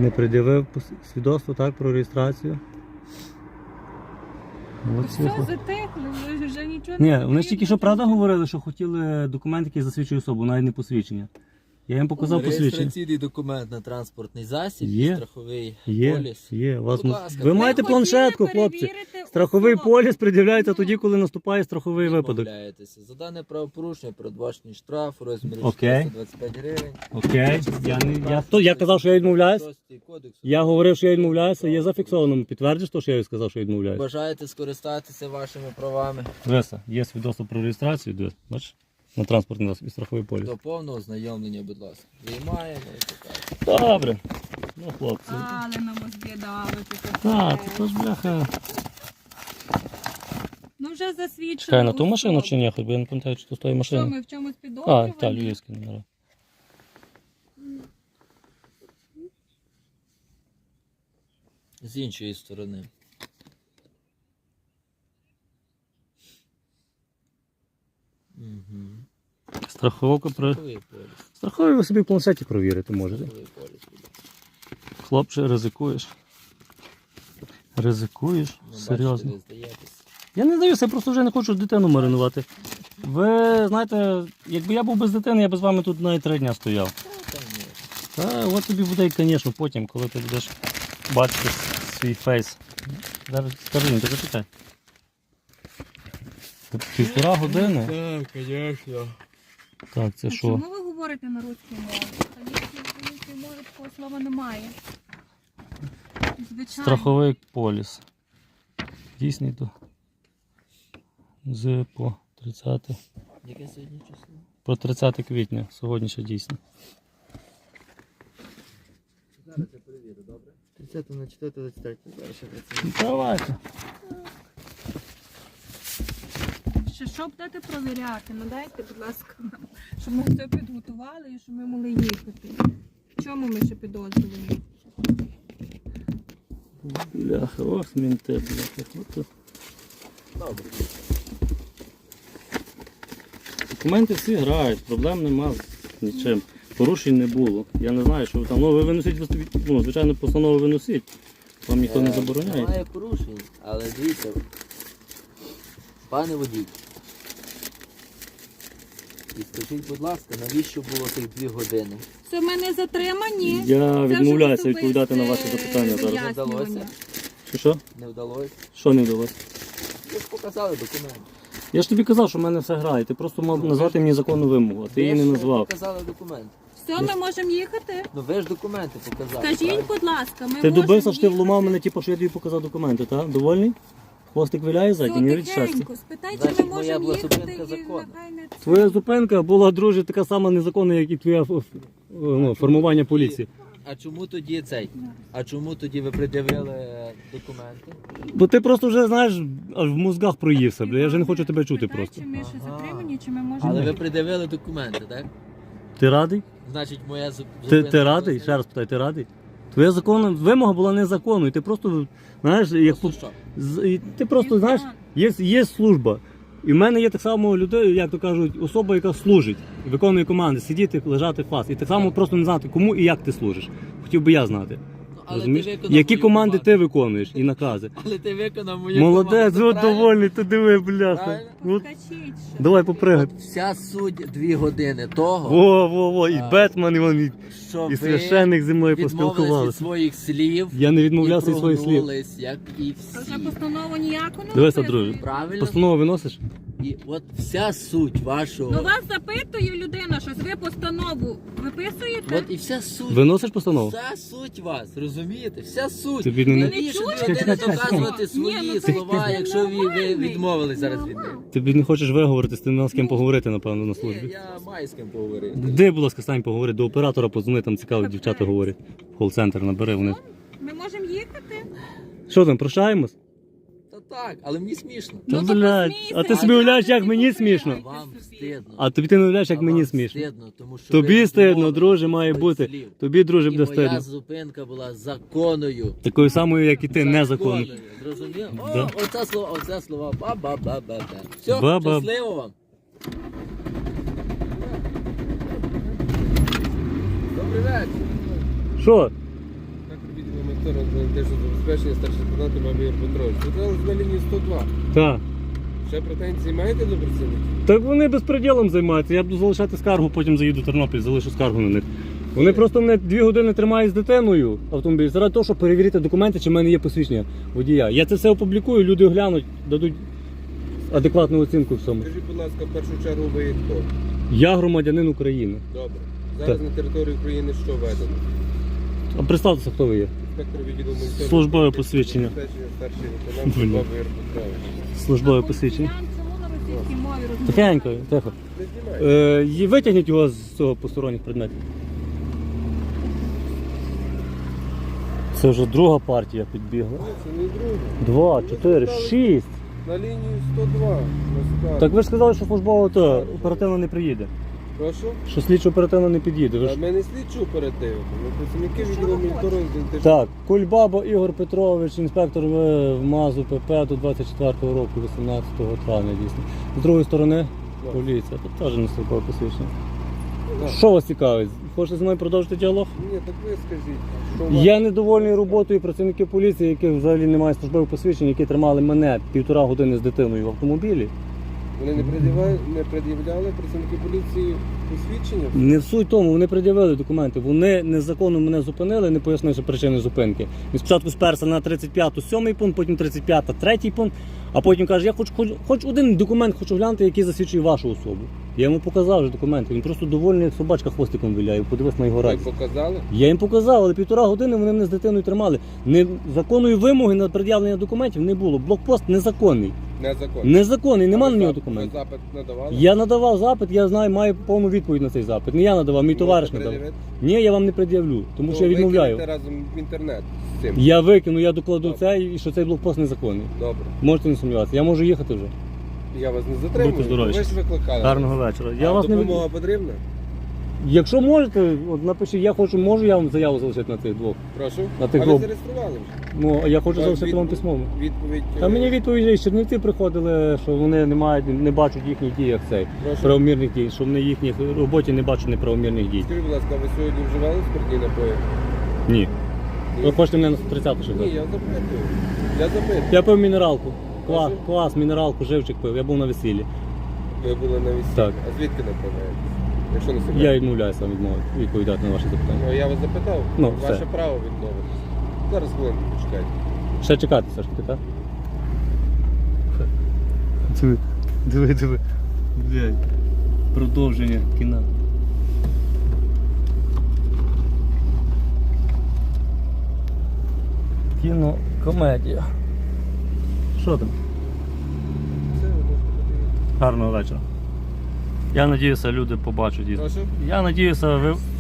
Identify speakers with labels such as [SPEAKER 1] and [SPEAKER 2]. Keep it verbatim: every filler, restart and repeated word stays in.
[SPEAKER 1] Не пред'явив свідоцтво, так, про реєстрацію.
[SPEAKER 2] Все затихли, ви вже нічого
[SPEAKER 1] Ні,
[SPEAKER 2] не
[SPEAKER 1] вони ж тільки що правда говорили, що хотіли документ, який засвідчує особу, навіть не посвідчення. Я їм показав посвідчення.
[SPEAKER 3] Реєстраційний документ на транспортний засіб,
[SPEAKER 1] Є.
[SPEAKER 3] страховий
[SPEAKER 1] Є,
[SPEAKER 3] поліс.
[SPEAKER 1] є. У вас
[SPEAKER 3] Будь
[SPEAKER 1] м-
[SPEAKER 3] ласка.
[SPEAKER 1] Ви
[SPEAKER 3] Ви
[SPEAKER 1] маєте
[SPEAKER 2] хотіли
[SPEAKER 1] планшетку, хлопці.
[SPEAKER 2] перевірити
[SPEAKER 1] Страховий
[SPEAKER 2] особу.
[SPEAKER 1] поліс пред'являється
[SPEAKER 2] Ну.
[SPEAKER 1] тоді, коли наступає страховий випадок.
[SPEAKER 3] Відмовляєтеся. За дане правопорушення передбачений штраф у розмірі
[SPEAKER 1] Окей.
[SPEAKER 3] чотириста двадцять п'ять гривень.
[SPEAKER 1] Окей. Я, не, я, то, я казав, що я відмовляюсь.
[SPEAKER 3] Шостий кодекс.
[SPEAKER 1] Я говорив, що я відмовляюся. Є зафіксовано. Підтвердиш то, що я сказав, що я відмовляюся?
[SPEAKER 3] Бажаєте скористатися вашими правами
[SPEAKER 1] Веса, є свідоцтво про реєстрацію, дивись, бачиш? На транспортний засіб і страховий поліс.
[SPEAKER 3] до повного ознайомлення, будь ласка. Виймаємо і так.
[SPEAKER 1] Добре. Ну, хлопці.
[SPEAKER 2] Але на мозги давите.
[SPEAKER 1] Так, це ж бляха.
[SPEAKER 2] Ну вже засвідчено.
[SPEAKER 1] Чекай, на ту
[SPEAKER 2] особу.
[SPEAKER 1] машину чи ні? Хоч би я не пам'ятаю, чи то з тої
[SPEAKER 2] Що,
[SPEAKER 1] машини.
[SPEAKER 2] ми в чомусь
[SPEAKER 1] А,
[SPEAKER 2] підозрювані?
[SPEAKER 1] так, львівські номера.
[SPEAKER 3] З іншої сторони. Угу.
[SPEAKER 1] Страховка про...
[SPEAKER 3] Страховий поліс.
[SPEAKER 1] Страховий ви собі в планшеті провірити можете.
[SPEAKER 3] Страховий поліс. будь ласка.
[SPEAKER 1] Хлопче, ризикуєш. Ризикуєш?
[SPEAKER 3] Ну,
[SPEAKER 1] Серйозно.
[SPEAKER 3] бачите, ви здаєтесь.
[SPEAKER 1] Я не здаюся, я просто вже не хочу дитину маринувати. Ви знаєте, якби я був без дитини, я б з вами тут навіть три дня стояв.
[SPEAKER 3] Та, ні.
[SPEAKER 1] Та от тобі буде, звісно, потім, коли ти будеш бачити свій фейс. Зараз скажи їм, ти зачекай. Півтора години?
[SPEAKER 3] Так, звісно.
[SPEAKER 1] Так, це
[SPEAKER 2] А
[SPEAKER 1] що?
[SPEAKER 2] чому ви говорите на русській мові? Українській мові такого слова немає. Звичайно.
[SPEAKER 1] Страховий поліс. Дійсний до з по тридцяте.
[SPEAKER 3] Яке сьогодні число?
[SPEAKER 1] Про тридцяте квітня. Сьогодні ще дійсно.
[SPEAKER 3] Зараз я перевірю, добре? тридцяте на четверте двадцять третє. Зараз ще працюю.
[SPEAKER 1] Давайте.
[SPEAKER 2] Ще що будете провіряти? Надайте, будь ласка, нам, щоб ми все підготували і щоб ми могли їхати. В чому ми ще підозрюємо?
[SPEAKER 1] Бляха, ось мінти, бляха. От.
[SPEAKER 3] Добре.
[SPEAKER 1] Документи всі грають, проблем нема з нічим. Порушень не було. Я не знаю, що ви там. Ну, ви виносіть, ну, звичайно, постанову виносіть. Вам ніхто не
[SPEAKER 3] Е,
[SPEAKER 1] забороняє.
[SPEAKER 3] Немає порушень, але дивіться, пане водій. І скажіть, будь ласка, навіщо було тих дві години?
[SPEAKER 2] Все, ми не затримані.
[SPEAKER 1] Я
[SPEAKER 2] Це вже
[SPEAKER 1] відмовляюся
[SPEAKER 2] особисте
[SPEAKER 1] відповідати на ваші запитання зараз.
[SPEAKER 2] вияснювання.
[SPEAKER 3] Вдалося?
[SPEAKER 1] Що що?
[SPEAKER 3] Не вдалося?
[SPEAKER 1] Що не вдалося?
[SPEAKER 3] Ви ж показали документ.
[SPEAKER 1] Я ж тобі казав, що в мене все грає. Ти просто мав назвати мені законну вимогу, а ти її не
[SPEAKER 3] Ви ж
[SPEAKER 1] назвав.
[SPEAKER 3] показали документ.
[SPEAKER 2] Все, ми можемо їхати.
[SPEAKER 3] Ну ви ж документи показали.
[SPEAKER 2] Скажіть,
[SPEAKER 3] правильно?
[SPEAKER 2] будь ласка, ми
[SPEAKER 1] Ти
[SPEAKER 2] можемо
[SPEAKER 1] добився, що ти
[SPEAKER 2] їхати?
[SPEAKER 1] вломав мене, типу, що я тобі показав документи, так? Довольний? Хвостик виляє ззаді,
[SPEAKER 2] Все,
[SPEAKER 1] не від щастя.
[SPEAKER 2] тихенько, спитай, чи
[SPEAKER 3] Значить,
[SPEAKER 2] ми
[SPEAKER 3] моя
[SPEAKER 2] можемо
[SPEAKER 3] була
[SPEAKER 2] їхати
[SPEAKER 3] зупинка
[SPEAKER 2] і
[SPEAKER 3] законна.
[SPEAKER 2] нехай не це.
[SPEAKER 1] Твоя зупинка була, друже, така сама незаконна, як і твоє ф- ф- ну, формування поліції.
[SPEAKER 3] А чому тоді цей? А чому тоді ви пред'явили е, документи?
[SPEAKER 1] Бо ти просто вже, знаєш, аж в мозгах проївся, бля. Я вже не хочу тебе чути
[SPEAKER 2] Спитай,
[SPEAKER 1] просто.
[SPEAKER 2] Чи ми ще
[SPEAKER 3] Ага.
[SPEAKER 2] затримані, чи ми можемо...
[SPEAKER 3] Але ви пред'явили документи, так?
[SPEAKER 1] Ти радий?
[SPEAKER 3] Значить, моя зу-
[SPEAKER 1] Ти,
[SPEAKER 3] зупинка...
[SPEAKER 1] ти радий? Ще раз питаю, ти радий? Твоя законна вимога була незаконною. Ти просто, знаєш, як
[SPEAKER 3] Просто що?
[SPEAKER 1] з- і ти просто, знаєш, є, є служба. І в мене є так само людей, як то кажуть, особа, яка служить, виконує команди, сидіти, лежати фас. І так само просто не знати, кому і як ти служиш. Хотів би я знати.
[SPEAKER 3] Ну, але ти
[SPEAKER 1] Розумієш?
[SPEAKER 3] виконав
[SPEAKER 1] Які
[SPEAKER 3] мою
[SPEAKER 1] команди
[SPEAKER 3] команду.
[SPEAKER 1] ти виконуєш і накази.
[SPEAKER 3] Але ти виконав мою
[SPEAKER 1] Молодець,
[SPEAKER 3] команду,
[SPEAKER 1] от
[SPEAKER 3] правильно?
[SPEAKER 1] довольний, ти диви, бляха.
[SPEAKER 3] Правильно?
[SPEAKER 1] От,
[SPEAKER 2] Поскочіть ще.
[SPEAKER 1] давай попригай.
[SPEAKER 3] Вся суть дві години того,
[SPEAKER 1] Во, во, во, і
[SPEAKER 3] А,
[SPEAKER 1] Бетмен, і, вон, і,
[SPEAKER 3] що
[SPEAKER 1] і
[SPEAKER 3] ви
[SPEAKER 1] священник зі мною
[SPEAKER 3] відмовились від
[SPEAKER 1] поспілкувалися.
[SPEAKER 3] своїх слів
[SPEAKER 1] Я не відмовлявся
[SPEAKER 3] і
[SPEAKER 1] від своїх слів.
[SPEAKER 3] прогнулись, як і
[SPEAKER 2] То вже
[SPEAKER 3] всі.
[SPEAKER 2] постанову ніяку не
[SPEAKER 1] Дивися,
[SPEAKER 2] написано.
[SPEAKER 1] друже.
[SPEAKER 3] Правильно?
[SPEAKER 1] Постанову виносиш?
[SPEAKER 3] І от вся суть вашого...
[SPEAKER 2] Ну вас запитує людина, що ви постанову виписуєте?
[SPEAKER 3] От і вся суть...
[SPEAKER 1] Виносиш постанову?
[SPEAKER 3] Вся суть вас, розумієте? Вся суть.
[SPEAKER 1] Тобі не-
[SPEAKER 3] Навіщо
[SPEAKER 2] Не
[SPEAKER 3] дві
[SPEAKER 2] чуєте?
[SPEAKER 3] години
[SPEAKER 1] Чекай, чекай,
[SPEAKER 3] доказувати
[SPEAKER 2] чекай.
[SPEAKER 3] свої
[SPEAKER 2] Ні, ну це
[SPEAKER 3] слова,
[SPEAKER 2] ж
[SPEAKER 3] якщо ви, ви
[SPEAKER 2] нормальний.
[SPEAKER 3] відмовились зараз від них?
[SPEAKER 2] Нормально.
[SPEAKER 1] Тобі не хочеш виговоритись, ти не мав з ким поговорити, напевно, на
[SPEAKER 3] Ні,
[SPEAKER 1] службі.
[SPEAKER 3] я маю з ким поговорити.
[SPEAKER 1] Де, будь ласка, стань поговори, до оператора подзвони, там цікаво, дівчата говорять. В кол-центр набери вони.
[SPEAKER 2] Ми можемо їхати?
[SPEAKER 1] Що там, прощаємось?
[SPEAKER 3] Та так, але мені смішно.
[SPEAKER 1] Та,
[SPEAKER 2] Ну, то
[SPEAKER 1] блядь,
[SPEAKER 2] посмійся,
[SPEAKER 1] а ти
[SPEAKER 2] а
[SPEAKER 1] собі
[SPEAKER 2] я
[SPEAKER 1] уявляєш, як
[SPEAKER 2] тобі
[SPEAKER 1] мені
[SPEAKER 2] купила.
[SPEAKER 1] смішно?
[SPEAKER 3] Вам стидно.
[SPEAKER 1] А тобі ти не уявляєш, як
[SPEAKER 3] А
[SPEAKER 1] мені
[SPEAKER 3] вам
[SPEAKER 1] смішно.
[SPEAKER 3] стидно, тому що
[SPEAKER 1] Тобі
[SPEAKER 3] ви
[SPEAKER 1] стидно,
[SPEAKER 3] відмовились
[SPEAKER 1] друже, має
[SPEAKER 3] від
[SPEAKER 1] бути.
[SPEAKER 3] слів.
[SPEAKER 1] Тобі, друже,
[SPEAKER 3] І
[SPEAKER 1] буде
[SPEAKER 3] моя
[SPEAKER 1] стидно.
[SPEAKER 3] зупинка була законною.
[SPEAKER 1] Такою самою, як і ти, незаконною.
[SPEAKER 3] Законною. Зрозумів? О,
[SPEAKER 1] Да.
[SPEAKER 3] оце слово, оце слова. Ба-ба-ба-ба-ба. Все,
[SPEAKER 1] Ба-ба.
[SPEAKER 3] щасливо вам. Добрий вечір.
[SPEAKER 1] Що?
[SPEAKER 4] Так інспектор державного забезпечення старший лейтенант Мамір Петрович. Звертались на лінію сто два.
[SPEAKER 1] Так.
[SPEAKER 4] Ще претензії маєте до працівників?
[SPEAKER 1] Так вони безпреділом займаються. Я буду залишати скаргу, потім заїду в Тернопіль, залишу скаргу на них. Вони просто мене дві години тримають з дитиною автомобіль, заради того, щоб перевірити документи, чи в мене є посвідчення водія. Я це все опублікую, люди оглянуть, дадуть адекватну оцінку всьому.
[SPEAKER 4] Скажіть, будь ласка, в першу чергу ви є хто?
[SPEAKER 1] Я громадянин України.
[SPEAKER 4] Добре. Зараз
[SPEAKER 1] Так.
[SPEAKER 4] на території України що введено?
[SPEAKER 1] А представтеся, хто ви є?
[SPEAKER 4] Інспектор відділу моніторингу
[SPEAKER 1] Службове посвідчення.
[SPEAKER 4] забезпечення старший лейтенант
[SPEAKER 1] Блін.
[SPEAKER 4] Мамір Петрович.
[SPEAKER 1] Службове посвідчення.
[SPEAKER 2] Чому на російській мові розмовляєте?
[SPEAKER 1] Тихенько, тихо.
[SPEAKER 4] Не знімайте.
[SPEAKER 1] Е, і витягніть його з цього посторонніх предметів. Це вже друга партія підбігла.
[SPEAKER 4] Ні, це не друге.
[SPEAKER 1] Два, чотири, шість.
[SPEAKER 4] На лінію сто два. на скаргу.
[SPEAKER 1] Так ви ж сказали, що службова то оперативно не приїде.
[SPEAKER 4] Прошу?
[SPEAKER 1] Що слідчо оперативно не під'їде. Ви
[SPEAKER 4] А
[SPEAKER 1] ж...
[SPEAKER 4] ми не слідчу оперативно. Ми працівники
[SPEAKER 2] Що
[SPEAKER 4] відділу
[SPEAKER 2] ви
[SPEAKER 4] моніторингу. ідентифікації.
[SPEAKER 1] Так, Кульбаба Ігор Петрович, інспектор в МАЗу ПП до двадцять четвертого року, вісімнадцятого травня дійсно. З другої сторони
[SPEAKER 4] Так.
[SPEAKER 1] поліція. Тут теж не службове посвідчення.
[SPEAKER 4] Так.
[SPEAKER 1] Що вас цікавить? Хочете зі мною продовжити діалог?
[SPEAKER 4] Ні, так ви скажіть. Що у вас?
[SPEAKER 1] Я недовольний роботою працівників поліції, яких взагалі немає службових посвідчень, які тримали мене півтора години з дитиною в автомобілі.
[SPEAKER 4] Вони не пред'являли, не пред'являли працівники поліції посвідчення?
[SPEAKER 1] Не в суть тому, вони пред'явили документи. Вони незаконно мене зупинили, не пояснивши причини зупинки. Він спочатку сперся на тридцять п'яту сьомий пункт, потім тридцять п'ята третій пункт, а потім каже, я хочу хоч, хоч один документ хочу глянути, який засвідчує вашу особу. Я йому показав вже документи. Він просто довольний, як собачка хвостиком виляє. Подивись на його
[SPEAKER 4] Ви
[SPEAKER 1] радість.
[SPEAKER 4] показали?
[SPEAKER 1] Я їм показав, але півтора години вони мене з дитиною тримали. Не, законної вимоги на пред'явлення документів не було. Блокпост незаконний.
[SPEAKER 4] Незаконно.
[SPEAKER 1] Незаконний, нема
[SPEAKER 4] А
[SPEAKER 1] на
[SPEAKER 4] ви
[SPEAKER 1] нього
[SPEAKER 4] зап-
[SPEAKER 1] документів.
[SPEAKER 4] Ви запит надавали?
[SPEAKER 1] Я надавав запит, я знаю, маю повну відповідь на цей запит. Не я надавав, мій товариш
[SPEAKER 4] Можете
[SPEAKER 1] надав.
[SPEAKER 4] пред'явити?
[SPEAKER 1] Ні, я вам не пред'явлю, тому що я
[SPEAKER 4] Ну,
[SPEAKER 1] відмовляю.
[SPEAKER 4] викинете разом в інтернет з цим.
[SPEAKER 1] Я викину, я докладу
[SPEAKER 4] Добре.
[SPEAKER 1] це, і що цей блокпост незаконний.
[SPEAKER 4] Добре.
[SPEAKER 1] Можете не сумніватися. Я можу їхати вже.
[SPEAKER 4] Я вас не затримую.
[SPEAKER 1] Будьте здорові.
[SPEAKER 4] Ви ж викликали.
[SPEAKER 1] Гарного вечора. Я
[SPEAKER 4] а
[SPEAKER 1] вас не
[SPEAKER 4] допомога
[SPEAKER 1] від...
[SPEAKER 4] потрібна?
[SPEAKER 1] Якщо можете, от напишіть, я хочу, можу я вам заяву залишити на цих двох.
[SPEAKER 4] Прошу.
[SPEAKER 1] На тих
[SPEAKER 4] а ви
[SPEAKER 1] двох.
[SPEAKER 4] зареєстрували вже?
[SPEAKER 1] Ну, а я хочу
[SPEAKER 4] Так,
[SPEAKER 1] залишити вам
[SPEAKER 4] відповідь-
[SPEAKER 1] письмово.
[SPEAKER 4] Відповідь.
[SPEAKER 1] Та
[SPEAKER 4] е,
[SPEAKER 1] мені відповіді з Чернівці приходили, що вони не мають, не бачать їхніх дій, як цей.
[SPEAKER 4] Прошу.
[SPEAKER 1] Правомірних дій, що вони їхніх роботі не бачать неправомірних дій.
[SPEAKER 4] Скажіть, будь ласка, ви сьогодні вживали спиртні напої?
[SPEAKER 1] Ні. Ви хочете мене на сто тридцяту ще
[SPEAKER 4] Ні,
[SPEAKER 1] взяти?
[SPEAKER 4] я запитую. Я запитую.
[SPEAKER 1] Я пив мінералку. Квас,
[SPEAKER 4] Прошу?
[SPEAKER 1] квас, мінералку, живчик пив. Я був на весіллі.
[SPEAKER 4] Ви були на весіллі.
[SPEAKER 1] Так.
[SPEAKER 4] А звідки направляєтесь? Якщо не секрет.
[SPEAKER 1] Я відмовляюся вам відмовити, відповідати на ваші запитання.
[SPEAKER 4] Ну, я вас запитав.
[SPEAKER 1] Ну,
[SPEAKER 4] Ваше
[SPEAKER 1] все.
[SPEAKER 4] право відмовитися. Зараз хвилинку почекайте.
[SPEAKER 1] Ще чекати все ж таки, так? Диви, диви, диви. Блядь. Продовження кіна. Кіно, комедія. Що там?
[SPEAKER 4] Це ви можете подивитися.
[SPEAKER 1] Гарного вечора. Я надіюся, люди побачать їх.
[SPEAKER 4] Прошу?
[SPEAKER 1] Я надіюся, ви